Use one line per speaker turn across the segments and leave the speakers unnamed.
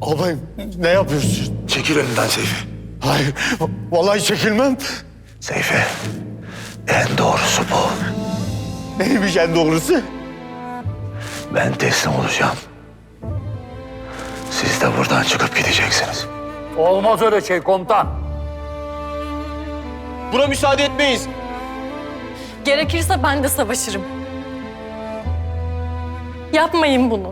Albayım ne yapıyorsun?
Çekil önümden Seyfi.
Hayır, vallahi çekilmem.
Seyfi, en doğrusu bu.
Neymiş en doğrusu?
Ben teslim olacağım. Siz de buradan çıkıp gideceksiniz.
Olmaz öyle şey komutan.
Buna müsaade etmeyiz.
Gerekirse ben de savaşırım. Yapmayın bunu.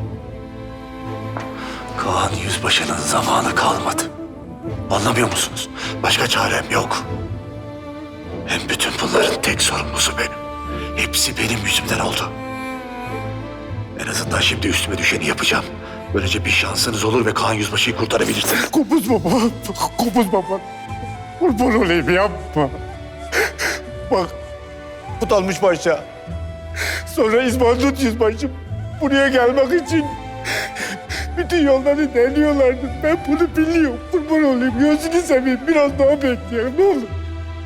Kaan Yüzbaşı'nın zamanı kalmadı. Anlamıyor musunuz? Başka çarem yok. Hem bütün bunların tek sorumlusu benim. Hepsi benim yüzümden oldu. En azından şimdi üstüme düşeni yapacağım. Böylece bir şansınız olur ve Kaan Yüzbaşı'yı kurtarabilirsiniz.
Kopuz baba, kopuz baba. Kurban olayım yapma. Bak, Kutalmış Paşa. Sonra İsmail Yüzbaşım buraya gelmek için bütün yolları deniyorlardı. Ben bunu biliyorum. Kurban olayım, gözünü seveyim. Biraz daha bekleyelim, ne olur.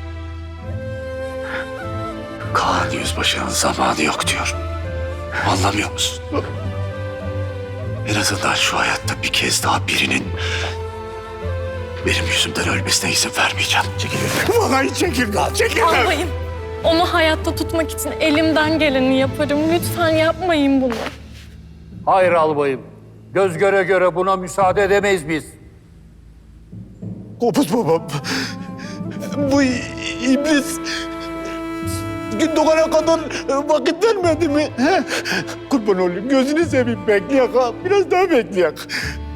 Kaan Yüzbaşı'nın zamanı yok diyor. Anlamıyor musun? En azından şu hayatta bir kez daha birinin benim yüzümden ölmesine izin vermeyeceğim. Çekil önümden.
Vallahi çekilmem, çekilmem.
Albayım, onu hayatta tutmak için elimden geleni yaparım. Lütfen yapmayın bunu.
Hayır albayım. Göz göre göre buna müsaade edemeyiz biz.
Kopuz babam. Bu iblis gün doğana kadar vakit vermedi mi? He? Kurban olayım, gözünü seveyim, bekleyek ha. Biraz daha bekleyek.